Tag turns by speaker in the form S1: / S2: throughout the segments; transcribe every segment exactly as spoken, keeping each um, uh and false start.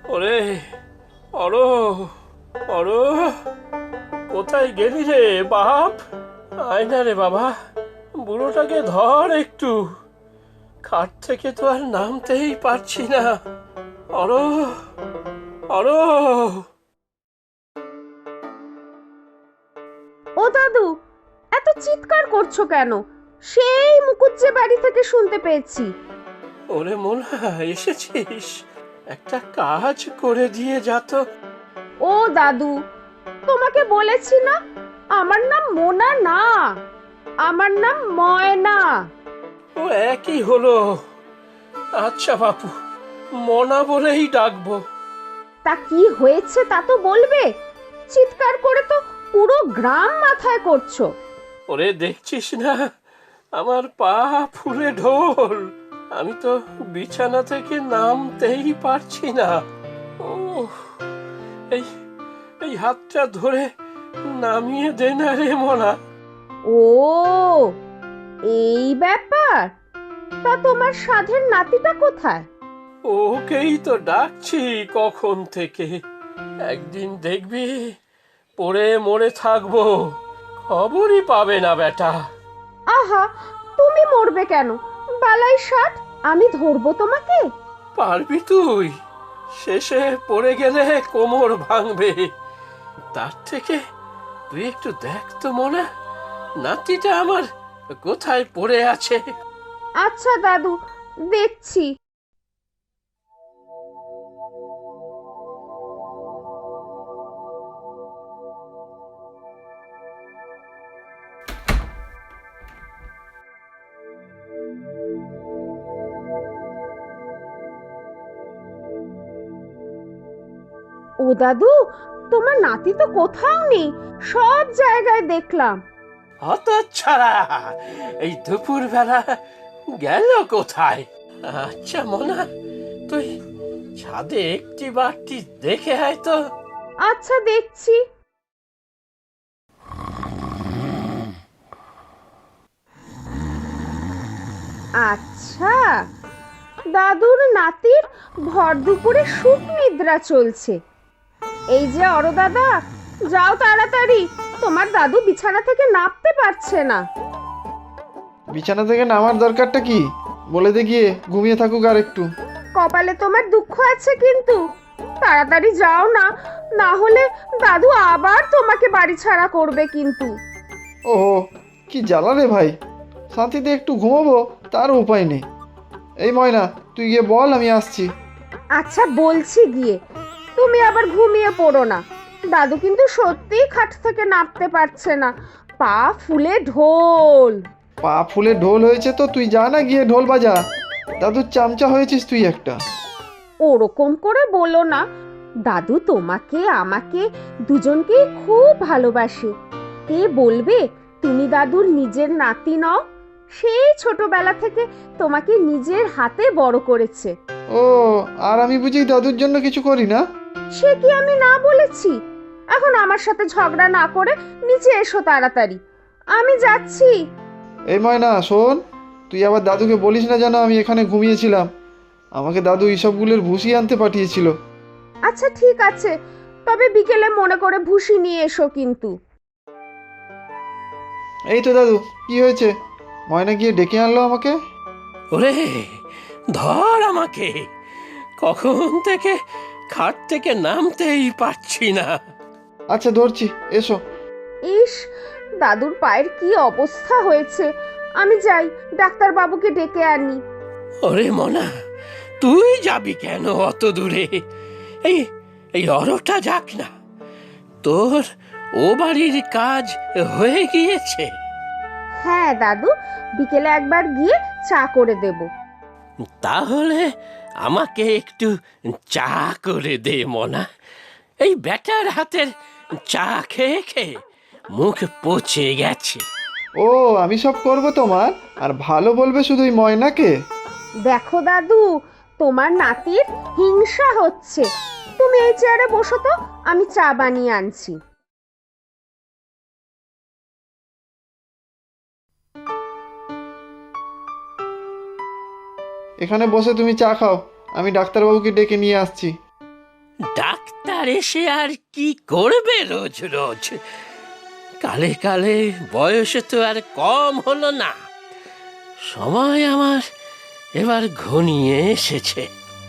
S1: ওরে অরো, অরো, কোথায় গেলি রে বাপ? আয় না রে বাবা, বুড়োটাকে ধর একটু। খাট থেকে তো আর নামতেই পারছি না। অরো, অরো।
S2: ও দাদু, এত চিৎকার করছো কেন? সেই মুকুজ্জে বাড়ি থেকে শুনতে পেয়েছি।
S1: ওরে মোনা, এসেছিস? একটা কাজ করে দিয়ে যা তো।
S2: ও দাদু, তোমাকে বলেছি না, আমার নাম মোনা না, আমার নাম ময়না।
S1: ও একই হলো। আচ্ছা বাপু, মনা বলেই ডাকবো।
S2: তা কি হয়েছে তা তো বলবে। চিৎকার করে তো পুরো গ্রাম মাথায় করছো।
S1: ওরে দেখছিস না, আমার পা ফুলে ঢোল। আমি তো বিছানা থেকে নামতেই পারছি না। ও, এই এই হাতটা ধরে নামিয়ে দে না রে মনা।
S2: ও, এই ব্যাপার। তা তোমার সাধের নাতিটা কোথায়?
S1: ওকেই তো ডাকছি কখন থেকে। একদিন দেখবি পড়ে মরে থাকবো, খবরই পাবে না বেটা।
S2: আহা, তুমি মরবে কেন? বালাই ষাট, আমি ধরবো তোমাকে।
S1: পারবি তুই? শেষে পড়ে গেলে কোমর ভাঙবে। তার থেকে তুই একটু দেখ তো মনে, নাতিটা আমার কোথায় পড়ে আছে।
S2: আচ্ছা দাদু, দেখছি। ও দাদু, তোমার নাতি তো কোথাও নেই, সব জায়গায় দেখলাম।
S1: হত ছাড়া, এই দুপুর বেলা গেল কোথায়? আচ্ছা মনা, তুই ছাদে একটি বারটি দেখে আয় তো।
S2: আচ্ছা, দেখছি। আচ্ছা, দাদুর নাতির ভর দুপুরে সুখ নিদ্রা চলছে। এই যে অরো দাদা, যাও তাড়াতাড়ি, তোমার দাদু বিছানা থেকে নামতে পারছে না।
S3: বিছানা থেকে নামার দরকারটা কি? বলে দে গিয়ে ঘুমিয়ে থাকুক আর একটু।
S2: কপালে তোমার দুঃখ আছে কিন্তু, তাড়াতাড়ি যাও না, না হলে দাদু আবার তোমাকে বাড়ি ছাড়া করবে কিন্তু।
S3: ওহো, কি জ্বালা রে ভাই। শান্তিতে একটু ঘুমোবো, তার উপায় নেই। এই ময়না, তুই গিয়ে বল আমি আসছি।
S2: আচ্ছা বলছি গিয়ে, তুমি আবার ঘুমিয়ে পড়ো না। দাদু কিন্তু সত্যিই খাট থেকে নামতে পারছে না, পা ফুলে ঢোল।
S3: পা ফুলে ঢোল হয়েছে তো তুই যা না গিয়ে ঢোল বাজা। দাদুর চামচা হয়েছিস তুই একটা।
S2: ওরকম করে বলো না, দাদু তোমাকে আমাকে দুজনকেই খুব ভালোবাসে। কে বলবে তুমি দাদুর নিজের নাতি নও? সেই ছোটবেলা থেকে তোমাকে নিজের হাতে বড় করেছে।
S3: ও, আর আমি বুঝি দাদুর জন্য কিছু করি না?
S2: সে কি আমি না বলেছি? এখন আমার সাথে ঝগড়া না করে নিচে এসো তাড়াতাড়ি, আমি যাচ্ছি।
S3: এই ময়না শোন, তুই আবার দাদুকে বলিস না যেন আমি এখানে ঘুমিয়েছিলাম। আমাকে দাদু এইসবগুলোর ভুসি আনতে পাঠিয়েছিল।
S2: আচ্ছা ঠিক আছে, তবে বিকেলে মনে করে ভুসি নিয়ে এসো কিন্তু।
S3: এই তো দাদু, কি হয়েছে? ময়না গিয়ে ডেকে আনলো আমাকে।
S1: ওরে ধর আমাকে, কখন থেকে খাট থেকে নামতেই পারছি না।
S3: আচ্ছা ধরছি, এসো।
S2: ইস, দাদুর পায়ের কি অবস্থা হয়েছে। আমি যাই, ডাক্তার বাবুকে ডেকে আনি।
S1: ওরে মনা, তুই যাবি কেন অত দূরে? এই এই অরটা যাক না, তোর ও বাড়ির কাজ হয়ে গিয়েছে।
S2: হ্যাঁ দাদু, বিকেলে একবার গিয়ে চা করে দেব।
S1: তাহলে আমাকে একটু চা করে দে মনা। এই ব্যাটার হাতের চা খেয়ে খেয়ে মুখ পচে গেছে।
S3: ও, আমি সব করব তোমার, আর ভালো বলবে শুধু ওই ময়নাকে।
S2: দেখো দাদু, তোমার নাতির হিংসা হচ্ছে। তুমি এই চেয়ারে বসো তো, আমি চা বানিয়ে আনছি।
S3: এখানে বসে তুমি চা খাও, আমি ডাক্তারবাবুকে ডেকে নিয়ে আসছি।
S1: ডাক্তার এসে আর কি করবে রোজ রোজ? কালে কালে বয়স তো আর কম হলো না। সময় আমার এবার ঘনিয়ে এসেছে।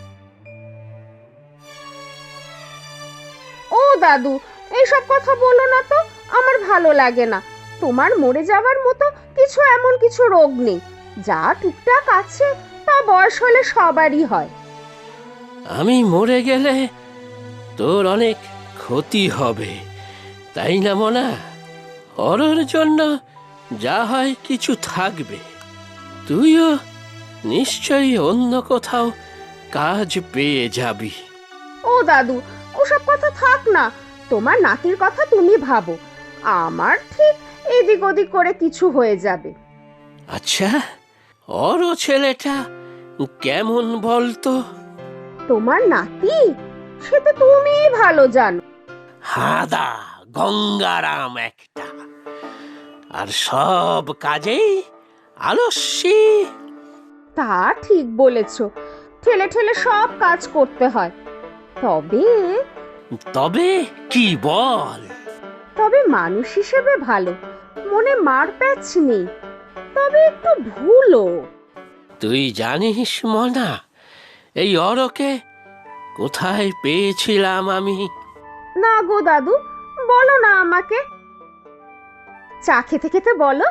S2: ও দাদু, এইসব কথা বলো না তো, আমার ভালো লাগে না। তোমার মরে যাওয়ার মতো কিছু এমন কিছু রোগ নেই। যা টুকটাক আছে তা বয়স হলে সবারই হয়।
S1: আমি মরে গেলে তোর অনেক ক্ষতি হবে, তাই না মনা? অরর জন্য যা হয় কিছু থাকবে। তুইও নিশ্চয়ই অন্য কোথাও কাজ পেয়ে যাবি।
S2: ও দাদু, ওসব কথা থাক না। তোমার নাতির কথা তুমি ভাবো, আমার ঠিক এদিক ওদিক করে কিছু হয়ে যাবে।
S1: আচ্ছা, অর ছেলেটা কেমন বলতো?
S2: তোমার নাতি, সে তো তুমিই ভালো জানো।
S1: হাদা গঙ্গারাম একটা, আর সব কাজেই আলস্যি।
S2: তা ঠিক বলেছ, ঠেলে ঠেলে সব কাজ করতে হয়। তবে
S1: তবে কি বল?
S2: তবে মানুষ হিসেবে ভালো, মনে মার প্যাচ নেই, তবে একটু ভুলও।
S1: তুই জানিস মনা, এই অরকে কোথায় পেয়েছিলাম আমি?
S2: না গো দাদু, বলো না আমাকে। চা খেতে খেতে বলো।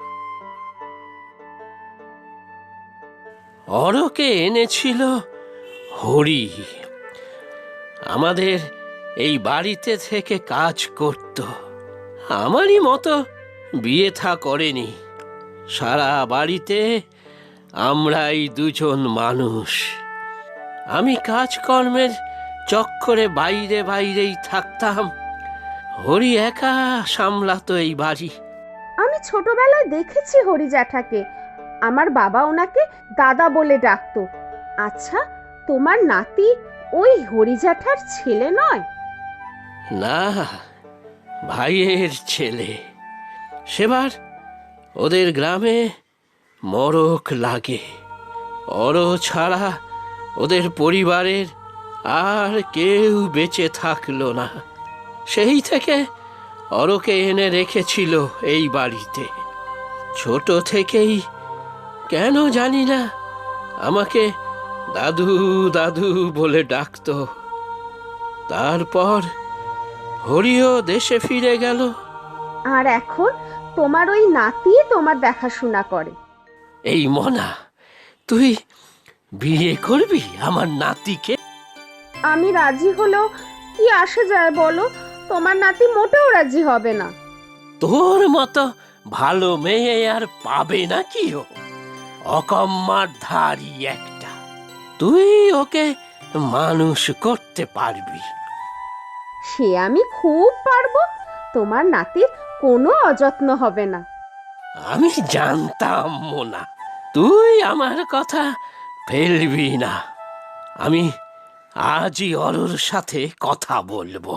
S1: অরকে এনেছিল হরি। আমাদের এই বাড়িতে থেকে কাজ করত। আমারই মতো বিয়ে থা করেনি। সারা বাড়িতে আমরাই দুজন মানুষ। আমি কাজকর্মের চক্করে বাইরে বাইরেই থাকতাম। হরি একা সামলাতো এই বাড়ি।
S2: আমি ছোটবেলায় দেখেছি হরি জ্যাঠাকে। আমার বাবা ওনাকে দাদা বলে ডাকতো। আচ্ছা, তোমার নাতি ওই হরি জ্যাঠার ছেলে নয়?
S1: না, ভাইয়ের ছেলে। সেবার ওদের গ্রামে মরক লাগে। অর ছাড়া ওদের পরিবারের আর কেউ বেঁচে থাকলো না। সেই থেকে অরকে এনে রেখেছিল এই বাড়িতে। ছোট থেকেই কেন জানি না আমাকে দাদু দাদু বলে ডাকতো। তারপর হরিও দেশে ফিরে গেল।
S2: আর এখন তোমার ওই নাতি তোমার দেখাশোনা করে।
S1: এই মনা, তুই বিয়ে করবি আমার নাতিকে?
S2: আমি রাজি হলেও কি আসে যায় বলো? তোমার নাতি মোটেও রাজি হবে না।
S1: তোর মতো ভালো মেয়ে আর পাবে নাকি ও? অকম্মার ধারি একটা। তুই ওকে মানুষ করতে পারবি।
S2: সে আমি খুব পারবো। তোমার নাতির কোনো অযত্ন হবে না।
S1: আমি জানতাম মোনা, তুই আমার কথা ফেলবি না। আমি আজই অরুর সাথে কথা বলবো।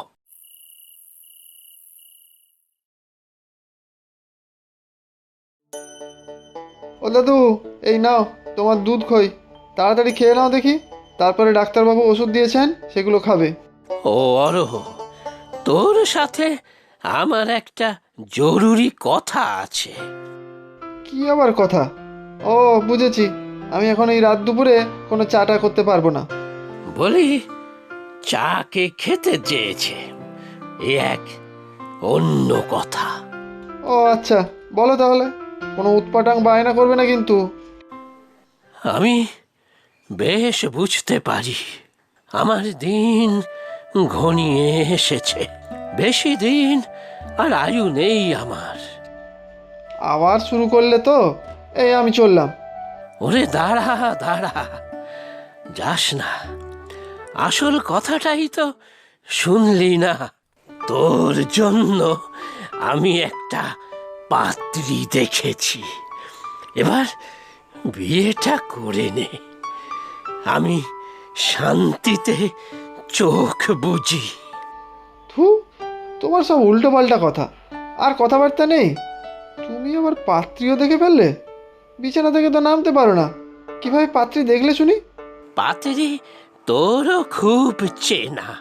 S3: ও দাদু, এই নাও তোমার দুধ খই, তাড়াতাড়ি খেয়ে নাও দেখি। তারপরে ডাক্তারবাবু ওষুধ দিয়েছেন, সেগুলো খাবে।
S1: ও অরহ, তোর সাথে আমার একটা জরুরি কথা আছে।
S3: কি আবার কথা? ও বুঝেছি, আমি এখন এই রাত দুপুরে কোনো চাটা করতে পারবো না।
S1: বলি, চাকে খেতে চেয়েছে, এ এক অন্য কথা।
S3: ও আচ্ছা, বলো তাহলে। কোনো উৎপাটাং বায়না করবে না কিন্তু।
S1: আমি বেশ বুঝতে পারি আমার দিন ঘনিয়ে এসেছে। বেশি দিন আর আয়ু নেই আমার।
S3: আবার শুরু করলে তো, এই আমি চললাম।
S1: ওরে দাঁড়া দাঁড়া, যাস না। আসল কথাটাই তো শুনলি না। তোর জন্য আমি একটা পাত্রী দেখেছি। এবার বিয়েটা করে নে, আমি শান্তিতে চোখ বুঝি।
S3: থু, তোমার সব উল্টো পাল্টা কথা, আর কথাবার্তা নেই। তুমি আবার পাত্রীও দেখে ফেললে? বিছানা থেকে তো নামতে পারো না, কিভাবে পাত্রী দেখলে শুনি?
S1: পাত্রী তোরও খুব চেনা।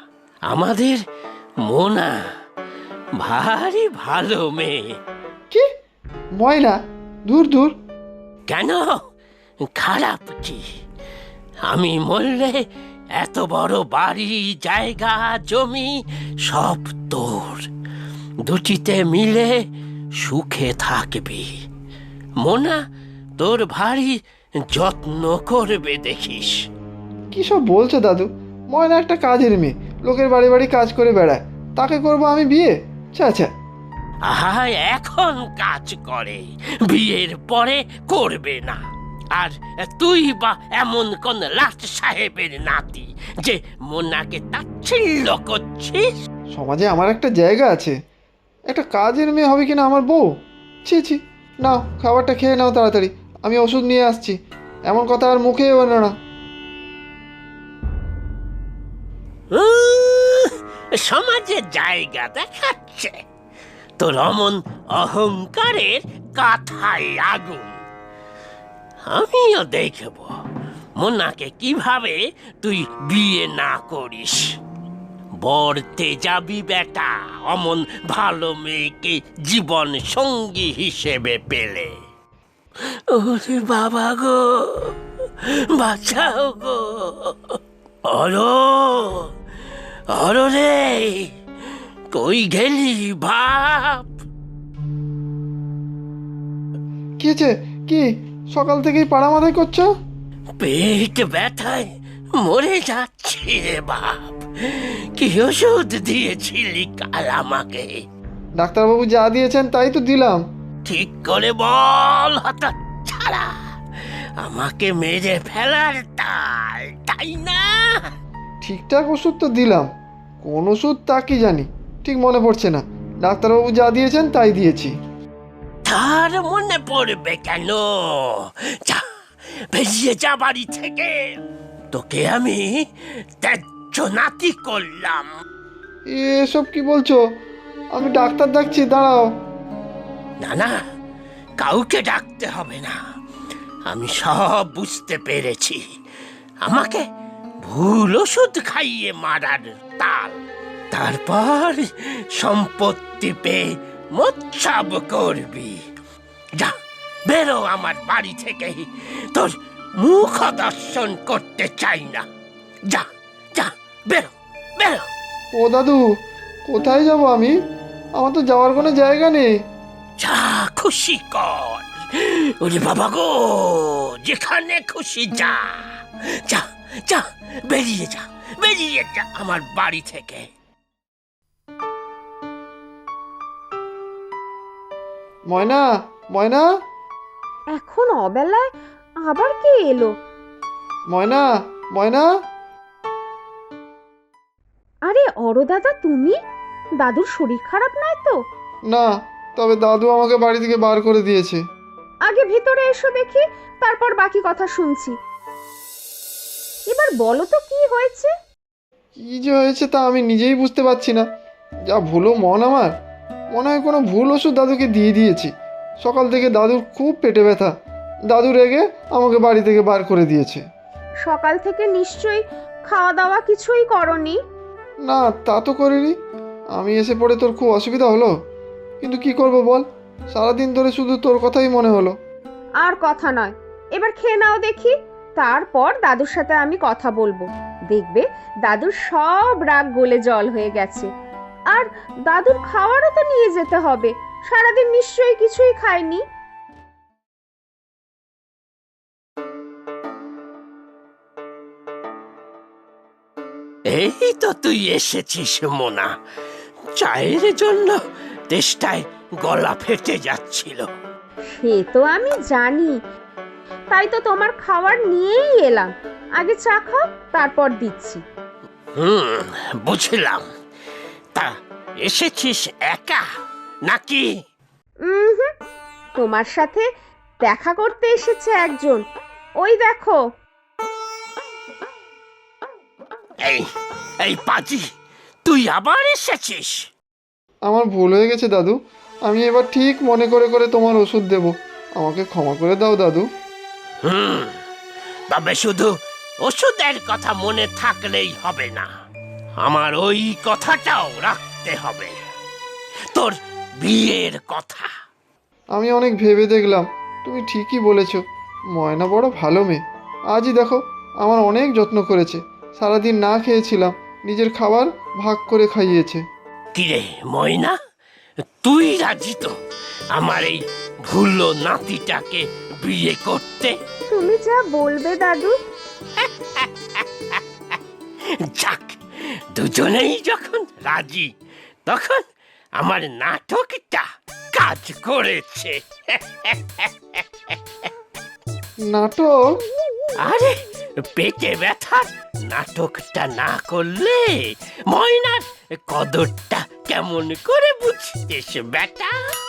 S1: আমাদের মোনা ভারী ভালো মেয়ে।
S3: কি ময়না? দূর দূর।
S1: কেন খারাপ কি? আমি মরলে এত বড় বাড়ি, জায়গা, জমি সব তোর। দুটিতে মিলে সুখে থাকবি। মোনা তোর ভারী যত্ন করবে দেখিস।
S3: কি সব বলছো দাদু? ময়না একটা কাজের মেয়ে, লোকের বাড়ি বাড়ি কাজ করে বেড়ায়, তাকে করবো আমি বিয়ে? আচ্ছা আচ্ছা।
S1: আহা, এখন কাজ করে, বিয়ের পরে করবে না। আর তুই বা এমন কোন লাট সাহেবের নাতি যে মোনাকে তাচ্ছিল্য করছিস?
S3: সমাজে আমার একটা জায়গা আছে, একটা কাজের মেয়ে হবে কিনা আমার বউ? ছি ছি। নাও খাবারটা খেয়ে নাও তাড়াতাড়ি, আমি ওষুধ নিয়ে আসছি। এমন কথা আর মুখে এলো না।
S1: উহ, সমাজে জায়গা দেখাচ্ছে। তোর অমন অহংকারের কাথায় আগুন। আমিও দেখব মোনাকে কিভাবে তুই বিয়ে না করিস। বরতে যাবি বেটা, অমন ভালো মেয়েকে জীবন সঙ্গী হিসেবে পেলে। ওরে বাবা গো, বাঁচাও গো। অরো অরো রে, কই গেলি বাপ?
S3: কি হয়েছে? কি সকাল থেকেই পাড়া মাথায় করছো?
S1: পেট ব্যথায় মরে যাচ্ছি রে বাপ। কি ওষুধ দিয়েছিলি কাল আমাকে?
S3: ডাক্তারবাবু যা দিয়েছেন তাই তো দিলাম।
S1: ঠিক করে বল হতচ্ছাড়া। আমাকে মেরে ফেলার তাল, তাই না?
S3: ঠিকঠাক ওষুধ তো দিলাম, কোন ওষুধ তা কি জানি, ঠিক মনে পড়ছে না। ডাক্তারবাবু যা দিয়েছেন তাই দিয়েছি।
S1: তার মনে পড়বে কেন? যা, বেরিয়ে যা বাড়ি থেকে। তোকে আমি ত্যায্য নাতি করলাম।
S3: এসব কি বলছো? আমি ডাক্তার ডাকছি, দাঁড়াও।
S1: না না, কাউকে ডাকতে হবে না। আমি সব বুঝতে পেরেছি। আমাকে ভুল ওষুধ খাইয়ে মারার তাল। তারপর সম্পত্তি পেয়ে মোচ্ছাব করবি। যা, বেরো আমার বাড়ি থেকে। তোর মুখ দর্শন করতে চাই না। যা যা, বেরো বেরো।
S3: ও দাদু, কোথায় যাব আমি? আমার তো যাওয়ার কোনো জায়গা নেই।
S1: যা খুশি কর। ওরে বাবা গো, যেখানে খুশি যা। যা যা, বেরিয়ে যা, বেরিয়ে যা আমার বাড়ি থেকে।
S3: ময়না, ময়না,
S2: এখন অবেলায় আবার কে এলো?
S3: ময়না, ময়না।
S2: আরে অরো দাদা, তুমি? দাদুর শরীর খারাপ নয় তো?
S3: না, তবে দাদু আমাকে বাড়ি থেকে বার করে দিয়েছে।
S2: আগে ভিতরে এসো দেখি, তারপর বাকি কথা শুনছি। এবার বলো তো কি হয়েছে?
S3: কি যে হয়েছে তা আমি নিজেই বুঝতে পারছি না। যা ভুলো মন আমার, মনে হয় কোনো ভুল ওষুধ দাদুকে দিয়ে দিয়েছি। সকাল থেকে দাদুর খুব পেটে ব্যথা, দাদু রেগে আমাকে বাড়ি থেকে বার করে দিয়েছে।
S2: সকাল থেকে নিশ্চয়ই খাওয়া দাওয়া কিছুই করনি।
S3: না, তা তো করিনি। আমি এসে পড়ে তোর খুব অসুবিধা হলো, কিন্তু কি করব বল, সারাদিন ধরে শুধু তোর কথাই মনে হলো।
S2: আর কথা নয়, এবার খেয়ে নাও দেখি, তারপর দাদুর সাথে আমি কথা বলবো। দেখবে দাদুর সব রাগ গলে জল হয়ে গেছে। আর দাদুর খাওয়ারও তো নিয়ে যেতে হবে, সারাদিন নিশ্চয়ই কিছুই খায়নি।
S1: এই তো তুই এসেছিস মোনা। চায়ের জন্য তেষ্টায় গলা ফেটে যাচ্ছিল।
S2: সে তো আমি জানি, তাই তো তোমার খাবার নিয়েই এলাম। আগে চা খাও, তারপর দিচ্ছি।
S1: হুম, বুঝলাম। তা এসেছিস একা নাকি?
S2: হুম, তোমার সাথে দেখা করতে এসেছে একজন, ওই দেখো।
S1: এই এই পাজি, তুই আবার এসেছিস?
S3: আমার ভুল হয়ে গেছে দাদু, আমি এবার ঠিক মনে করে করে তোমার ওষুধ দেব। আমাকে ক্ষমা করে দাও দাদু।
S1: হুম, তবে শুধু ওষুধের কথা মনে থাকলেই হবে না। আমার ওই কথাটাও রাখতে হবে, তোর বিয়ের কথা।
S3: আমি অনেক ভেবে দেখলাম, তুমি ঠিকই বলেছ। ময়না বড় ভালো মেয়ে। আজই দেখো, আমার অনেক যত্ন করেছে। সারাদিন না খেয়েছিলাম, নিজের খাবার ভাগ করে খাইয়েছে।
S1: কিরে ময়না, তুই রাজি তো আমার এই ভুলো নাতিটাকে বিয়ে করতে?
S2: তুমি যা বলবে দাদু।
S1: যাক, দুজনেই যখন রাজি, তখন আমার নাটকটা কাজ করেছে।
S3: নাটক?
S1: আরে পেটে ব্যথার নাটকটা না করলে ময়নার কদরটা কেমন করে বুঝতেস বেটা?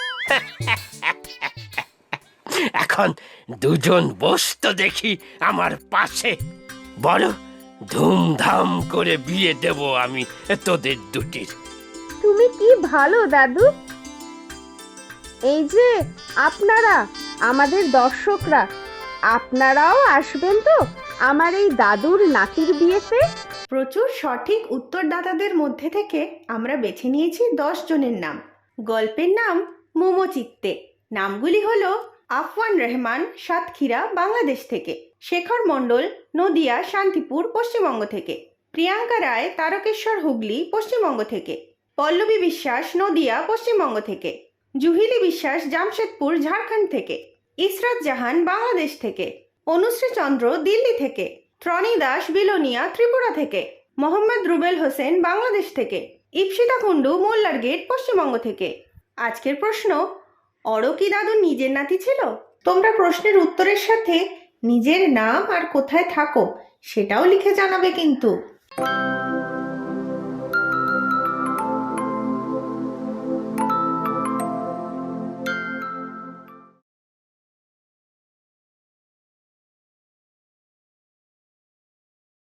S1: এখন দুজন বসতো দেখি আমার পাশে, বড় ধুমধাম করে বিয়ে দেব আমি তোদের দুটির।
S2: তুমি কি ভালো দাদু। এই যে আপনারা, আমাদের দর্শকরা, আপনারাও আসবেন তো আমার এই দাদুর নাতির বিয়েতে?
S4: প্রচুর সঠিক উত্তরদাতাদের মধ্যে থেকে আমরা বেছে নিয়েছি দশ জনের নাম। গল্পের নাম মোমো চিত্তে। নামগুলি হলো আফওয়ান রহমান, সাতক্ষীরা, বাংলাদেশ থেকে; শেখর মণ্ডল, নদিয়া শান্তিপুর, পশ্চিমবঙ্গ থেকে; প্রিয়াঙ্কা রায়, তারকেশ্বর, হুগলি, পশ্চিমবঙ্গ থেকে; পল্লবী বিশ্বাস, নদিয়া, পশ্চিমবঙ্গ থেকে; জুহিলি বিশ্বাস, জামশেদপুর, ঝাড়খণ্ড থেকে; ইসরাত জাহান, বাংলাদেশ থেকে; অনুশ্রী চন্দ্র, দিল্লি থেকে; ত্রনি দাস, বিলোনিয়া, ত্রিপুরা থেকে; মোহাম্মদ রুবেল হোসেন, বাংলাদেশ থেকে; ইপসিতা কুন্ডু, মোল্লার গেট, পশ্চিমবঙ্গ থেকে। আজকের প্রশ্ন, অরো কি দাদুর নিজের নাতি ছিল? তোমরা প্রশ্নের উত্তরের সাথে নিজের নাম আর কোথায় থাকো সেটাও লিখে জানাবে কিন্তু।